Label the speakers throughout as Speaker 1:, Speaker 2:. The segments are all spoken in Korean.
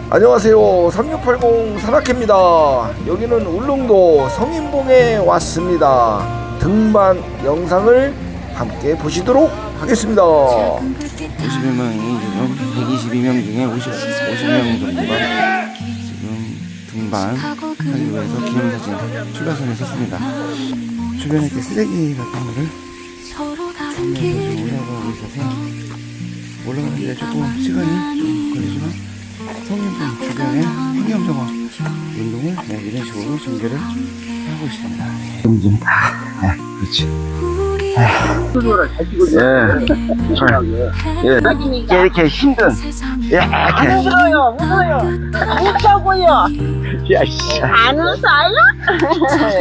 Speaker 1: 안녕하세요. 3680 산악회입니다. 여기는 울릉도 성인봉에 왔습니다. 등반 영상을 함께 보시도록 하겠습니다.
Speaker 2: 51명이 지금 122명 중에 50명 정도가 지금 등반하기 위해서 기념사진 출발선에 섰습니다. 주변에 이렇게 쓰레기 같은 거를 주면서 지금 올라가고 있어서 올라가는데 조금 시간이 좀 걸리지만 성인봉 주변에 환경정화 운동을 이런 식으로 전개를 하고 있습니다. 좀 그렇지. 이렇게 힘든
Speaker 3: 안 웃어요, 웃어요. 안 웃어요?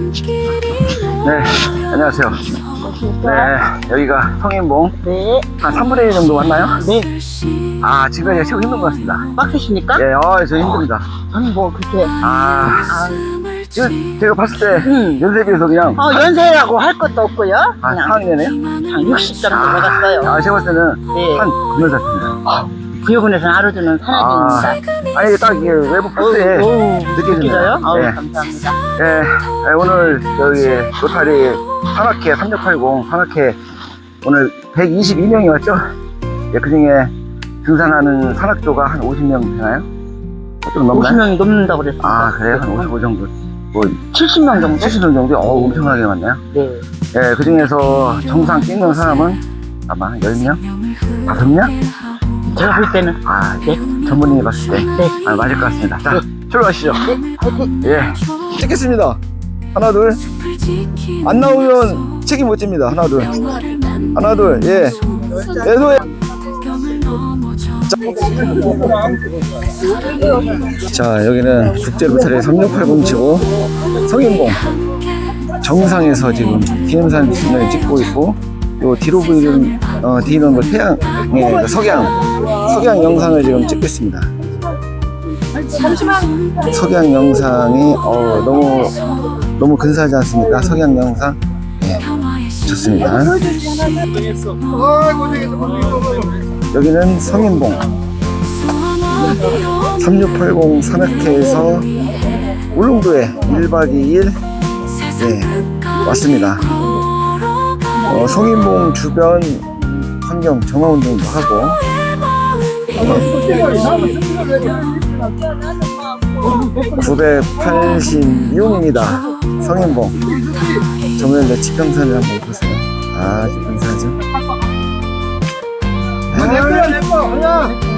Speaker 2: 네, 안녕하세요. 네, 여기가 성인봉.
Speaker 3: 네.
Speaker 2: 한 3분의 1 정도 왔나요?
Speaker 3: 네.
Speaker 2: 아, 지금까지 최고 힘든 것 같습니다.
Speaker 3: 빡세십니까?
Speaker 2: 예, 저 힘듭니다.
Speaker 3: 아니, 뭐, 그렇게.
Speaker 2: 이거 제가 봤을 때 연세에 비해서 그냥
Speaker 3: 연세라고 할 것도 없고요. 그냥
Speaker 2: 4학년이네요?
Speaker 3: 한 60 정도 받았어요.
Speaker 2: 제가 봤을 때는
Speaker 3: 네.
Speaker 2: 한 9년 같습니다.
Speaker 3: 구역원에서는 하루 주는 산악인입니다.
Speaker 2: 아니, 딱 이게 외부 박스에 느껴지네요.
Speaker 3: 느껴져요?
Speaker 2: 네.
Speaker 3: 감사합니다.
Speaker 2: 네, 오늘 여기 로타리 산악회 3680 산악회 오늘 122명이 왔죠? 예, 그 중에 등산하는 산악조가 한 50명 되나요? 좀 넘나요?
Speaker 3: 50명이 넘는다고 그랬어요.
Speaker 2: 그래요? 한 55 정도. 뭐
Speaker 3: 70명 정도?
Speaker 2: 70명 정도? 엄청나게 많네요.
Speaker 3: 네.
Speaker 2: 예, 그 중에서 정상 찍는 사람은 아마 10명? 5명?
Speaker 3: 제가 볼 때는.
Speaker 2: 네. 전문인이 봤을 때.
Speaker 3: 네.
Speaker 2: 맞을 것 같습니다. 자, 출발하시죠.
Speaker 3: 네, 화이팅!
Speaker 2: 예. 찍겠습니다. 하나, 둘. 안 나오면 책임 못 집니다. 하나, 둘. 하나, 둘. 예. 예도에. 자, 여기는 국제로타리 3680 치고 성인봉 정상에서 지금 기념사진을 찍고 있고, 요 뒤로 보이는 뒤는 그 태양, 석양 영상을 지금 찍고 있습니다. 석양 영상이 너무 근사하지 않습니까? 석양 영상. 예, 좋습니다. 여기는 성인봉 3680 산악회에서 울릉도에 1박 2일 왔습니다. 성인봉 주변 환경 정화 운동도 하고, 986입니다. 성인봉 정면에 지평선을 한번 보세요. 아주 근사하죠?